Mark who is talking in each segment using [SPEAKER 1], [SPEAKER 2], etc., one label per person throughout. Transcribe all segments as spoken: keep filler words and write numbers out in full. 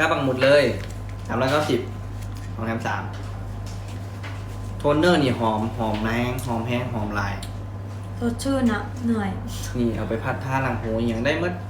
[SPEAKER 1] ค่าปังหมุดเลยสามร้อยเก้าสิบของแถมสามโทนเนอร์นี่หอมหอมแห้งหอมแห้งหอมลาย
[SPEAKER 2] สดชื่นอะเหนื่อย
[SPEAKER 1] นี่เอาไปพัดท่าหลังหูอย่างได้มั้ย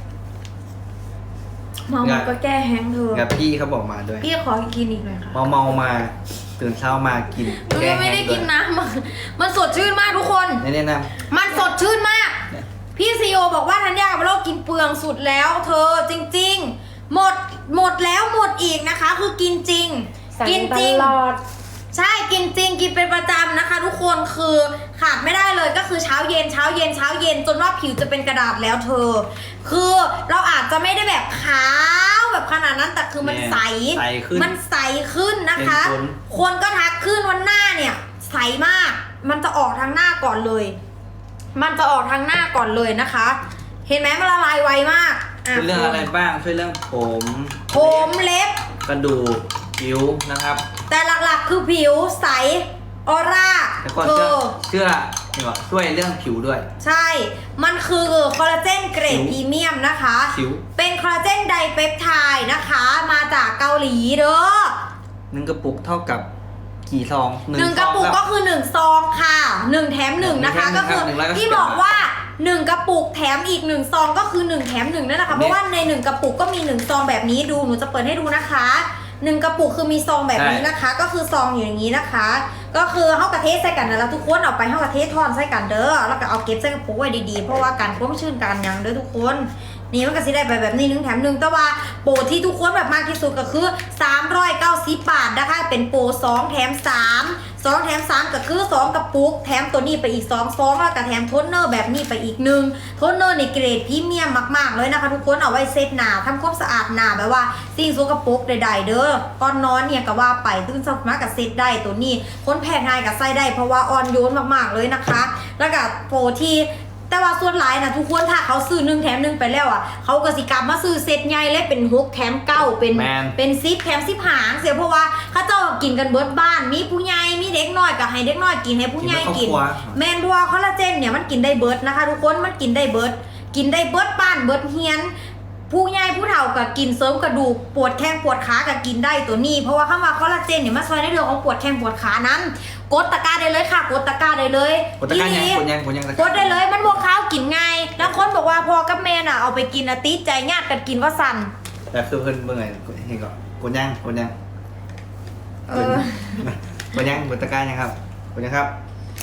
[SPEAKER 2] เมามันก็แก้แห้งเธอ
[SPEAKER 1] กับพี่เขาบอกมาด้วย
[SPEAKER 2] พี่ขอกินอีกหน่อยค่ะ
[SPEAKER 1] เมาเมามาตื่นเช้ามากิน
[SPEAKER 2] แก้แห้งไม่ได้กินน้ำมันมันสดชื่นมากทุกคน
[SPEAKER 1] นี่ๆนะ
[SPEAKER 2] มันสดชื่นมากพี่ซีโอบอกว่าธัญญากับเรากินเปลืองสุดแล้วเธอจริงๆหมดหมดแล้วหมดอีกนะคะคือกินจริงกินจริงใช่กินจริงกินเป็นประจำนะคะทุกคนคือขาดไม่ได้เลยก็คือเช้าเย็นเช้าเย็นเช้าเย็นจนว่าผิวจะเป็นกระดาษแล้วเธอคือเราอาจจะไม่ได้แบบขาวแบบขนาดนั้นแต่คือมันใสมันใสขึ้นนะคะคนก็ทักขึ้นวันหน้าเนี่ยใสมากมันจะออกทางหน้าก่อนเลยมันจะออกทางหน้าก่อนเลยนะคะเห็นไหมมันละลายไวมาก
[SPEAKER 1] ช่วยเรื่องอะไรบ้างช่วยเรื่องผม
[SPEAKER 2] ผมเล็บ
[SPEAKER 1] กระดูกผิวนะครับ
[SPEAKER 2] แต่หลักๆคือผิวใสออร่า
[SPEAKER 1] เธอเชื่อช่วยเรื่องผิวด้วย
[SPEAKER 2] ใช่มันคือคอลลาเจนเกรดพรีเมียมนะคะเป็นคอลลาเจนไดเปปไทด์นะคะมาจากเกาหลีเด้อ
[SPEAKER 1] หนึ่งกระปุกเท่ากับกี่ซอง
[SPEAKER 2] หนึ่งกระปุกก็คือหนึ่งซองค่ะหนึ่งแถมหนึ่งนะคะก็คือที่บอกว่าหนึ่งกระปุกแถมอีกหนึ่งซองก็คือหนึ่งแถมหนึ่งนั่นแหละค่ะเพราะว่าในหนึ่งกระปุกก็มีหนึ่งซองแบบนี้ดูหนูจะเปิดให้ดูนะคะหนึ่งกระปุกคือมีซองแบบนี้นะคะก็คือซองอยู่อย่างนี้นะคะก็คือเฮากระเทศใส่กันนะแล้วทุกคนเอาไปเฮากระเทศทอนใส่กันเด้อแล้วก็เอาเก็บใส่กระปุกไว้ดีๆเพราะว่าการคว่ำชื่นกันยังเด้อทุกคนนี่มันก็สิได้ไปแบบนี้หนึ่งแถมหนึ่งแต่ว่าโปรที่ทุกคนแบบมากที่สุดก็คือสามร้อยเก้าสิบบาทนะคะเป็นโปรสองแถมสามสองแถมสามก็คือสองกระปุกแถมตัวนี้ไปอีกสองซองแล้วก็แถมโทนเนอร์แบบนี้ไปอีกหนึ่งโทนเนอร์ในเกรดพรีเมียมมากๆเลยนะคะทุกคนเอาไว้เซตหน้าทำความสะอาดหน้าแบบว่าสิ่งสกปรกใดๆเด้อก่อนนอนเนี่ยก็ว่าไปตื่นเช้ามาก็เซตได้ตัวนี้คนแพ้ง่ายก็ใส่ได้เพราะว่าอ่อนโยนมากๆเลยนะคะแล้วก็โปรที่แต่ว่าส่วนหลายนะทุกคนถ้าเขาซื้อหนึ่งแถมหนึ่งไปแล้วอ่ะเขาก็สิกลับมาซื้อเซตใหญ่เลยเป็นหกแถมเก้าเป็นเป็นซิปแถมซิปหางเสียเพราะว่าเขาเจ้ากินกันเบิดบ้านมีผู้ใหญ่มีเด็กน้อยก็ให้เด็กน้อยกินให้ผู้ใหญ่กินแมนดัวคอลลาเจนเนี่ยมันกินได้เบิดนะคะทุกคนมันกินได้เบิดกินได้เบิดบ้านเบิดเฮียนผู้ใหญ่ผู้เฒ่าก็กินเสริมกระดูกปวดแข้งปวดขาก็กินได้ตัวนี้เพราะว่าคำว่าคอลลาเจนเนี่ยมันช่วยในเรื่องของปวดแข้งปวดขานั้นกดตะกร้าได้เลยค่ะกดตะกร้าได้เลย
[SPEAKER 1] กดตะกร้ายังกดยังกดยัง
[SPEAKER 2] กดได้เลยมันบวกข้าวกินง่ายแล้วคนบอกว่าพอกับแม่น่ะเอาไปกินอะติใจญาติกันกินว่าสั่น
[SPEAKER 1] แต่คือเพิ่นเมื่อไงเห็นก่อนกดยังกดยังเออกดยังกดตะกร้ายังครับกดยังครับ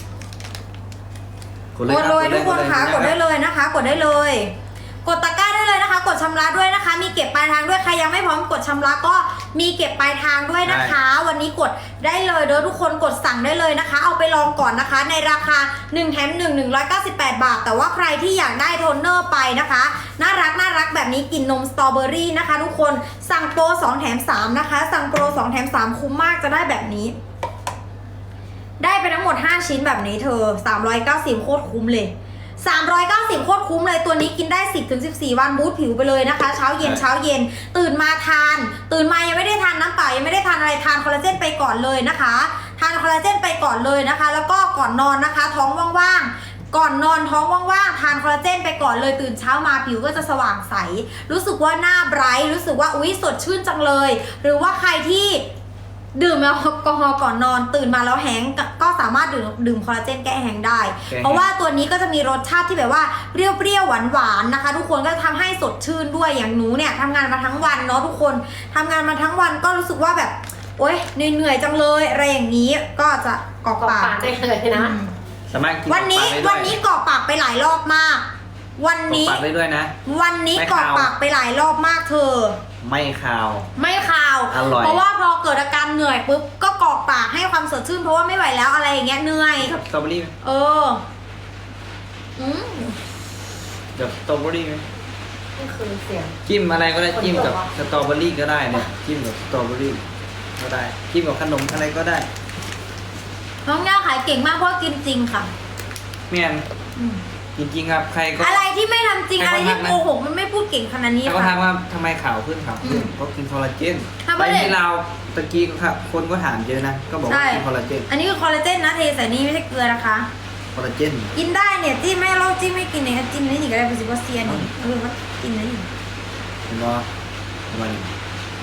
[SPEAKER 2] กดเลยทุกคนค่ะกดได้เลยนะคะกดได้เลยกดตะกร้าได้เลยนะคะกดชำระด้วยนะคะมีเก็บปลายทางด้วยใครยังไม่พร้อมกดชำระก็มีเก็บปลายทางด้วยนะคะวันนี้กดได้เลยเด้อทุกคนกดสั่งได้เลยนะคะเอาไปลองก่อนนะคะในราคาหนึ่งแถมหนึ่ง หนึ่งร้อยเก้าสิบแปดบาทแต่ว่าใครที่อยากได้โทนเนอร์ไปนะคะน่ารักน่ารักแบบนี้กลิ่นนมสตรอเบอรี่นะคะทุกคนสั่งโปรสองแถมสามนะคะสั่งโปรสองแถมสามคุ้มมากจะได้แบบนี้ได้ไปทั้งหมดห้าชิ้นแบบนี้เธอสามร้อยเก้าสิบโคตรคุ้มเลยสามร้อยเก้าสิบโคตรคุ้มเลยตัวนี้กินได้ สิบถึงสิบสี่ วันบูทผิวไปเลยนะคะเช้าเย็นเช้าเย็นตื่นมาทานตื่นมายังไม่ได้ทานน้ำเปล่ายังไม่ได้ทานอะไรทานคอลลาเจนไปก่อนเลยนะคะทานคอลลาเจนไปก่อนเลยนะคะแล้วก็ก่อนนอนนะคะท้องว่างๆก่อนนอนท้องว่างๆทานคอลลาเจนไปก่อนเลยตื่นเช้ามาผิวก็จะสว่างใสรู้สึกว่าหน้าไบรท์รู้สึกว่าอุ๊ยสดชื่นจังเลยหรือว่าใครที่ดื่มแอลกอฮอล์ก่อนนอนตื่นมาแล้วแห้งก็สามารถดื่มดื่มคอลลาเจนแก้แห้งได้เพราะว่าตัวนี้ก็จะมีรสชาติที่แบบว่าเปรี้ยวๆหวานๆนะคะทุกคนก็จะทำให้สดชื่นด้วยอย่างหนูเนี่ยทำงานมาทั้งวันเนาะทุกคนทำงานมาทั้งวันก็รู้สึกว่าแบบโอ๊ยเหนื่อยๆจังเลยอะไรอย่างนี้ก็จะกรอกปาก
[SPEAKER 3] ได้เลยนะ
[SPEAKER 2] วันนี้วันนี้กรอกปากไปหลายรอบมากวันนี้
[SPEAKER 1] กรอกปากได้ด้วยนะ
[SPEAKER 2] วันนี้กรอกปากไปหลายรอบมากเธอ
[SPEAKER 1] ไม่คาว
[SPEAKER 2] ไม่คาวเพราะว่าพอเกิดอาการเหนื่อยปุ๊บก็กรอกปากให้ความสดชื่นเพราะว่าไม่ไหวแล้วอะไรอย่างเงี้ยเหนื่อย
[SPEAKER 1] กับสตรอเบอรี่
[SPEAKER 2] เอออืม
[SPEAKER 1] กับสตรอเบอรี่ไหม
[SPEAKER 3] นี่คือเสียง
[SPEAKER 1] จิ้มอะไรก็ได้จิ้มกับสตรอเบอรี่ก็ได้เนี่ยจิ้มกับสตรอเบอรี่ก็ได้จิ้มกับขนมอะไรก็ได้
[SPEAKER 2] น้องย่าขายเก่งมากเพราะกินจริงค่ะ
[SPEAKER 1] เมียนจริงๆครับใครก็
[SPEAKER 2] อะไรที่ไม่ทำจริงอะไรที่โกหกมันไม่พูดเก่งขนาดนี้ค่ะ
[SPEAKER 1] เขาถามว่าทำไมขาวขึ้นขาวขึ้นเพราะกินคอลลาเจนไปที่เราตะกี้ครับคนก็ถามเยอะนะก็บอกว่ากินคอลลาเจน
[SPEAKER 2] อันนี้คือคอลลาเจนนะเทใส่นี้ไม่ใช่เกลือนะคะ
[SPEAKER 1] คอลลาเจน
[SPEAKER 2] กินได้เนี่ยจิ้มไม่เราจิ้มไม่กินเนี่ยจิ้มนี่ก็ได้เป็นซิบเซียนนี่เออว่ากินนี่
[SPEAKER 1] เห็นบ่ประมาณนี้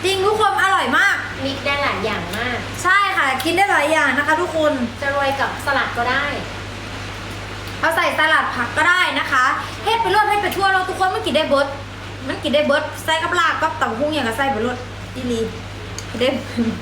[SPEAKER 2] จริงทุกคนอร่อยมาก
[SPEAKER 3] มิกได้หลายอย่างมาก
[SPEAKER 2] ใช่ค่ะกินได้หลายอย่างนะคะ ทุกคน
[SPEAKER 3] จะโรยกับสลัดก็ได้
[SPEAKER 2] เอาใส่สลัดผักก็ได้นะคะเฮ็ดไปรวดให้ไปทั่วเราทุกคนมันกินได้เบิร์ดมันกินได้เบิร์ดใส่กับลาบกับตับหุ้งอย่างกับใส่ไปรวดอีหลีกินได้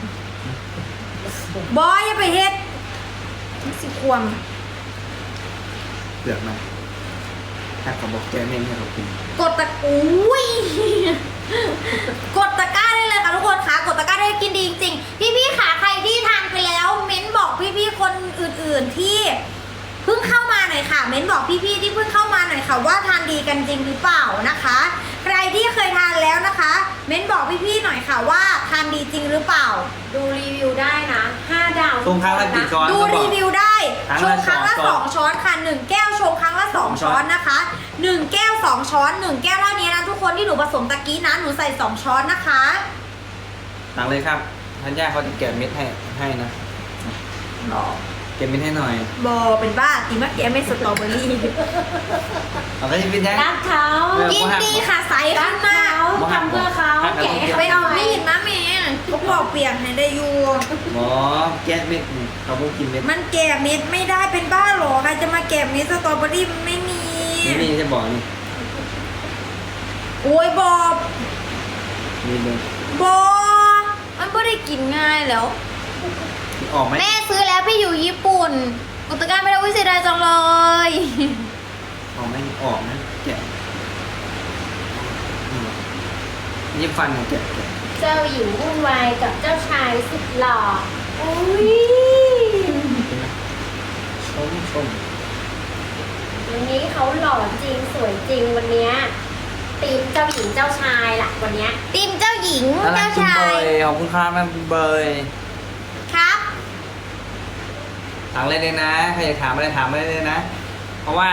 [SPEAKER 2] บอยอย่าไปเฮ็ดมันสิควม
[SPEAKER 1] เปลือกมันถ้าเขาบอกแกไม่ให้เขากิน
[SPEAKER 2] กดตะอุ้ย กดตะกร้าได้เลยค่ะทุกคนค่ะกดตะกร้าได้กินดีจริงๆพี่ๆค่ะใครที่ทานไปแล้วเม้นบอกพี่ๆคนอื่นๆที่เพิ่งเข้ามาหน่อยค่ะ เม้นบอกพี่ๆที่เพิ่งเข้ามาหน่อยค่ะว่าทานดีกันจริงหรือเปล่านะคะ ใครที่เคยทานแล้วนะคะ เม้นบอกพี่ๆหน่อยค่ะว่าทานดีจริงหรือเปล่า
[SPEAKER 3] ดูรีวิวได้นะห้าดาว
[SPEAKER 1] ตรงครั้งละกี่ช้อน
[SPEAKER 2] ดู
[SPEAKER 1] ก็บ
[SPEAKER 2] รี
[SPEAKER 1] อก
[SPEAKER 2] วิวได้
[SPEAKER 1] ครั้ง
[SPEAKER 2] ช
[SPEAKER 1] ละ
[SPEAKER 2] งครั้งละ
[SPEAKER 1] ส
[SPEAKER 2] ส
[SPEAKER 1] อ
[SPEAKER 2] อง งช้อนค่ะหนึ่งแก้วชงครั้งละสอง
[SPEAKER 1] สองช้
[SPEAKER 2] ช้
[SPEAKER 1] อ
[SPEAKER 2] อน นนะคะหนึ่งแก้วสองช้อนหนึ่งแก้วเท่านี้นะทุกคนที่หนูผสมตะกี้นะหนูใส่สองช้อนนะคะ
[SPEAKER 1] สั่งเลยครับท่านย่าเขาจะแกะเม็ดให้ให้นะแกะเม็ดให้หน่อย
[SPEAKER 2] บอเป็นบ้ากินมะเขือเม็ดสตรอเบอรี่
[SPEAKER 1] เอาไปเป็นยัง
[SPEAKER 3] รักเขา
[SPEAKER 2] กินดีค่ะใส
[SPEAKER 3] รั
[SPEAKER 2] ขึ้
[SPEAKER 3] ก
[SPEAKER 2] นมาก
[SPEAKER 3] เขาทำเพื่อเขาแกะให้
[SPEAKER 2] ไป
[SPEAKER 3] เขา
[SPEAKER 2] เอา
[SPEAKER 3] หน่อย
[SPEAKER 2] มีดนะแม่ก็ปอกเปียกให้ได้อยู่
[SPEAKER 1] หมอแกะเม็ดนี่เขาพูดกินเม็ด
[SPEAKER 2] มันแกะเม็ดไม่ได้เป็นบ้าหรอใครจะมาแกะเม็ดสตรอเบอรี่มันไม่มี
[SPEAKER 1] นี่นี่จะบอกนี่
[SPEAKER 2] โอ้ยบอ
[SPEAKER 1] นี่เลย
[SPEAKER 2] บอมันไม่ได้กินง่ายแล้ว
[SPEAKER 1] ออกไหม
[SPEAKER 2] แม่ซื้อแล้วพี่อยู่ญี่ปุ่นกุตการไม่ได้วิเศษจังเลย
[SPEAKER 1] ออกไหมออกนะแกะนี่ยิบฟันของแกะแกะ
[SPEAKER 3] เจ้าหญิงวุ่นวายกับเจ้าชายสุดหล่ออุ้ย
[SPEAKER 1] ชมชม
[SPEAKER 3] วันนี้เขาหล่อจริงสวยจริงวันเนี้ยตีมเจ้าหญิงเจ้าชายล่ะวันเนี้ย
[SPEAKER 2] ติมเจ้าหญิง
[SPEAKER 1] อะไร
[SPEAKER 2] เจ้า
[SPEAKER 1] คุณ
[SPEAKER 2] ชา
[SPEAKER 1] เบ
[SPEAKER 2] ย
[SPEAKER 1] ยขอบคุณครับแม่เบย
[SPEAKER 2] ครับ
[SPEAKER 1] ถามเลยเลยนะใครอยากถามอะไรถามเลยเลยนะ เพราะว่า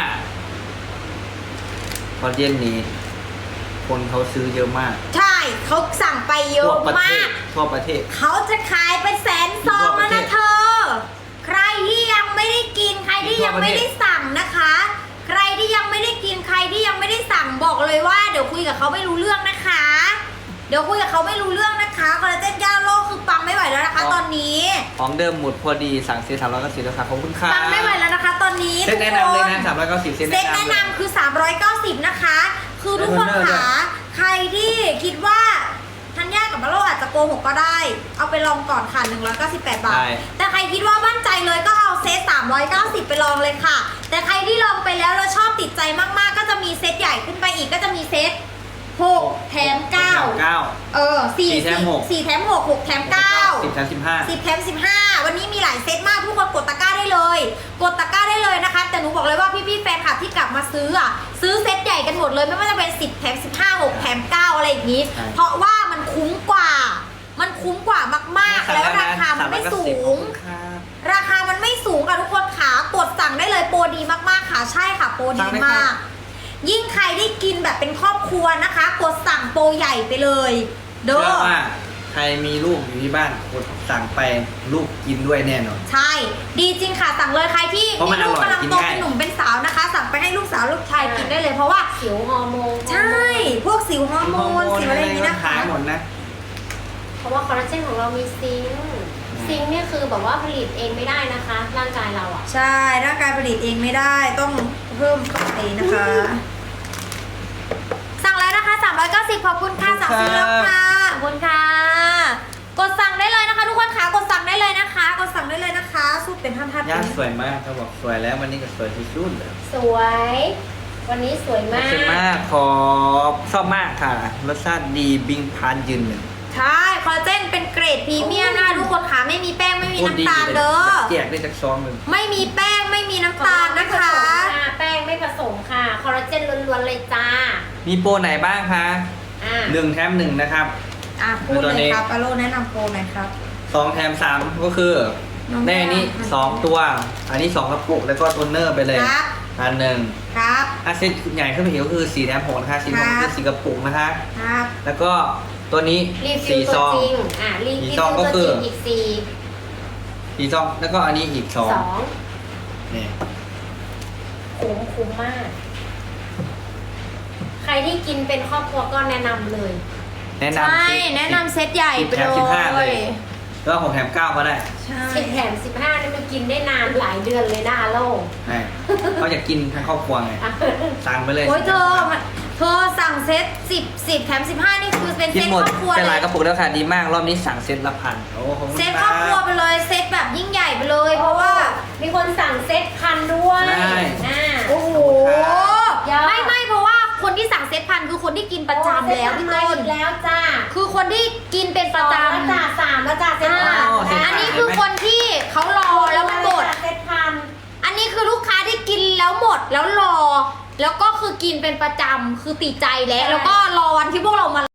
[SPEAKER 1] พอเย็นนี้ คนเขาซื้อเยอะมาก
[SPEAKER 2] ใช่เขาสั่งไปเย
[SPEAKER 1] ทั่
[SPEAKER 2] อะ
[SPEAKER 1] วประเท
[SPEAKER 2] มา
[SPEAKER 1] ศ
[SPEAKER 2] ก
[SPEAKER 1] ทั่วประเทศ
[SPEAKER 2] เขาจะขายเป็นแสนซองแล้วนะเธอ ใครที่ยังไม่ได้กินใครที่ยังไม่ได้สั่งนะคะ ใครที่ยังไม่ได้กินใครที่ยังไม่ได้สั่งบอกเลยว่าเดี๋ยวคุยกับเขาไม่รู้เรื่องนะคะ เดี๋ยวคุยกับเขาไม่รู้เรื่องนะคะคอลลาเจนย่าโลกคือปังไม่ไหวแล้วนะคะ
[SPEAKER 1] อ๋อ
[SPEAKER 2] ตอนนี้
[SPEAKER 1] ของเดิมหมดพอดีสั่งซื้อสามร้อยเก้าสิบแล้วครับขอบคุณครับ
[SPEAKER 2] ปังไม่ไหวแล้วนะคะ ตอนนี้
[SPEAKER 1] เซ็ตแนะนำเลยนะสามร้อยเก้าสิบเซ็ต
[SPEAKER 2] เซ็ต
[SPEAKER 1] แนะ
[SPEAKER 2] แนะ
[SPEAKER 1] นำเลย
[SPEAKER 2] นำคือสามร้อยเก้าสิบนะคะ คือทุกคน
[SPEAKER 1] แล้วโทนเนอร์ด้ว
[SPEAKER 2] ค่ะ
[SPEAKER 1] ย
[SPEAKER 2] ใครที่คิดว่าทันยากับมาโลอาจจะโกหกก็ได้ เอาไปลองก่อนค่ะหนึ่งร้อยเก้าสิบแปดบาท
[SPEAKER 1] ใช่
[SPEAKER 2] แต่ใครคิดว่ามั่นใจเลยก็เอาเซตสามร้อยเก้าสิบไปลองเลยค่ะ แต่ใครที่ลองไปแล้วแล้วชอบติดใจมากๆ ก็จะมีเซตใหญ่ขึ้นไปอีกก็จะมีเซตหกแถมเก้า
[SPEAKER 1] เก้า
[SPEAKER 2] เออสี่
[SPEAKER 1] สี่แถมหก
[SPEAKER 2] สี่แถมหกหกแถมเก้า
[SPEAKER 1] สิบสามสิบห้า
[SPEAKER 2] สิบแถมสิบห้าวันนี้มีหลายเซตมากทุกคนกดตะกร้าได้เลย กดตะกร้าได้เลยนะคะ แต่หนูบอกเลยว่าพี่ๆแฟนคลับที่กลับมาซื้ออ่ะซื้อเซตใหญ่กันหมดเลยไม่ว่าจะเป็นสิบแถมสิบห้า หกแถมเก้าอะไรอย่างนี้
[SPEAKER 1] ใช่
[SPEAKER 2] เพราะว่ามันคุ้มกว่า มันคุ้มกว่ามากๆ แล้วราคามันไม่สูง ราคามันไม่สูงค่ะทุกคนขากดสั่งได้เลยโปรดีมากๆค่ะใช่ค่ะโปรดีมาก ยิ่งใครได้กินแบบเป็นครอบครัวนะคะ กดสั่งโปรใหญ่ไปเลยเด้
[SPEAKER 1] เชื่อ
[SPEAKER 2] อ
[SPEAKER 1] ว่าใครมีลูกอยู่ที่บ้านกดสั่งไปลูกกินด้วยแน่นอน
[SPEAKER 2] ใช่ ดีจริงค่ะสั่งเลยใครที่
[SPEAKER 1] เพราะมัน
[SPEAKER 2] มีลูก
[SPEAKER 1] อร่อย
[SPEAKER 2] กำลัง
[SPEAKER 1] กิน
[SPEAKER 2] โต
[SPEAKER 1] ง่าย
[SPEAKER 2] เป็นหนุ่มเป็นสาวนะคะ สั่งไปให้ลูกสาวลูกชายกินได้เลยเพราะว่า
[SPEAKER 3] สิวฮอร์โมน
[SPEAKER 2] ใช่ พวกสิวฮอร์โมนสิวอะไรอย่างนี้นะคะ
[SPEAKER 1] หายหมดนะ
[SPEAKER 3] เพราะว่าคอลลาเจนของเรามีซิงค์ซิงค์เนี่ยคือแบบว่าผลิตเองไม่ได้นะคะ ร่างกายเราอ่ะ
[SPEAKER 2] ใช่ร่างกายผลิตเองไม่ได้ต้องเพิ่มเข้าไปนะคะ สั่งแล้วนะคะสามร้อยเก้าสิบขอบคุณค่ะ
[SPEAKER 1] ขอบ
[SPEAKER 2] สั่ง
[SPEAKER 1] คุณ
[SPEAKER 2] ซื้อแล้ว
[SPEAKER 1] ครับ
[SPEAKER 2] ค่ะขอบคุณค่ะ กดสั่งได้เลยนะคะ ทุกคนค่ะกดสั่งได้เลยนะคะ กดสั่งได้เลยนะคะสู้เป็นท่านๆ
[SPEAKER 1] ย่า
[SPEAKER 2] ไป
[SPEAKER 1] สวยมากเขาบอกสวยแล้ววันนี้ก็สวยที่สุดเลย
[SPEAKER 3] สวย วันนี้สวยมาก
[SPEAKER 1] สวยมากขอชอบมากค่ะรสชาติดีบิงพานยืนหนึ่ง
[SPEAKER 2] ใช่คอลลาเจนเป็นเกรดพรีเมียมนะคะทุกคนค่ะไม่มีแป้งไม่มีน้ำตาลเด้อ
[SPEAKER 1] แจกได้จากซองหนึ่ง
[SPEAKER 2] ไม่มีแป้งไม่มีน้ำตาลนะคะ
[SPEAKER 3] แป้งไม่ผสมค่ะ คอลลาเจนล้วนๆเลยจ้า
[SPEAKER 1] มีโปรไหนบ้างคะ
[SPEAKER 3] อ่า
[SPEAKER 1] หนึ่งแถมหนึ่งนะครับ
[SPEAKER 2] อ่ะพูดเลยครับอโลแนะนำโปรหน่อยครับ
[SPEAKER 1] สองแถมสามก็คือ
[SPEAKER 2] น้อง
[SPEAKER 1] ได้อันนี้
[SPEAKER 2] แม่
[SPEAKER 1] สองตัว อันนี้สองกระปุกแล้วก็โทนเนอร์ไปเลย
[SPEAKER 2] ครับ
[SPEAKER 1] อันหนึ่ง
[SPEAKER 2] ครับ
[SPEAKER 1] อาเซตใหญ่ขึ้นไปอีกก็คือสี่แถมหกนะคะสี่แถม
[SPEAKER 2] ครั
[SPEAKER 1] คื
[SPEAKER 2] บ
[SPEAKER 1] อสี่กระปุกนะคะ
[SPEAKER 2] ครับ
[SPEAKER 1] แล้วก็ตัวนี้
[SPEAKER 3] รีวิว
[SPEAKER 1] สี่
[SPEAKER 3] ตั
[SPEAKER 1] ซ
[SPEAKER 3] ว
[SPEAKER 1] อง
[SPEAKER 3] จริง อ่ารี
[SPEAKER 1] สี่
[SPEAKER 3] วิว
[SPEAKER 1] ซองก็
[SPEAKER 3] ตัว
[SPEAKER 1] คื
[SPEAKER 3] จ
[SPEAKER 1] อ
[SPEAKER 3] ริงอีกสี่
[SPEAKER 1] สี่ซองแล้วก็อันนี้อีกสอง
[SPEAKER 3] สอง
[SPEAKER 1] นี่
[SPEAKER 3] คุ้มคุ้มมาก ใครที่กินเป็นครอบครัวก็แนะนำเลย
[SPEAKER 1] แนะ
[SPEAKER 2] ใช่
[SPEAKER 1] นำสิบ
[SPEAKER 2] แนะนำเซตใหญ่ไป
[SPEAKER 1] แถมสิบห้า
[SPEAKER 2] เล
[SPEAKER 1] เลย ย แล้วหกแถมเก้าก็ได้
[SPEAKER 2] ใช่
[SPEAKER 3] สิบแถมสิบห้านี่มันกินได้นานหลายเดือนเลยนะอาโล
[SPEAKER 1] ใช่เขาอยากกินทั้งครอบครัวไงสั่งไปเลย
[SPEAKER 2] โอ้ยเธอเธอสั่งเซตสิบสิบแถมสิบห้านี่คือเป็น
[SPEAKER 1] กิ
[SPEAKER 2] เซ
[SPEAKER 1] น
[SPEAKER 2] ต
[SPEAKER 1] หมด
[SPEAKER 2] ครอบครัว
[SPEAKER 1] เป็น
[SPEAKER 2] เล
[SPEAKER 1] หลาย
[SPEAKER 2] ย
[SPEAKER 1] กระปุกแล้วค่ะดีมากรอบนี้สั่งเซตละพันโอ้ขอบคุณ
[SPEAKER 2] เซตครอบครัวไปเลยเซตแบบยิ่งใหญ่ไปเลย เพราะว่า
[SPEAKER 3] มีคนสั่งเซ็ตพันด้วย
[SPEAKER 1] ใช่
[SPEAKER 3] อ่า
[SPEAKER 2] โอ้โห
[SPEAKER 3] ยอด
[SPEAKER 2] ไม่ไม่เพราะว่าคนที่สั่งเซตพันคือคนที่กินประจำแล้วพี่ต้น
[SPEAKER 3] อีกแล้วจ้า
[SPEAKER 2] คือคนที่กินเป็นประจ
[SPEAKER 3] สองแล้วจ้า
[SPEAKER 2] ำ
[SPEAKER 3] สามแล้วจ้าเซ็ตพัน
[SPEAKER 1] อ๋อเซ็ตพั
[SPEAKER 2] อันนี้คือคนที่เขารอแล้วมันหมด
[SPEAKER 3] เซ็ตพัน
[SPEAKER 2] อันนี้คือลูกค้าที่กินแล้วหมดแล้วรอ แล้วก็คือกินเป็นประจำคือติดใจแล้ว แล้วก็รอวันที่พวกเรามา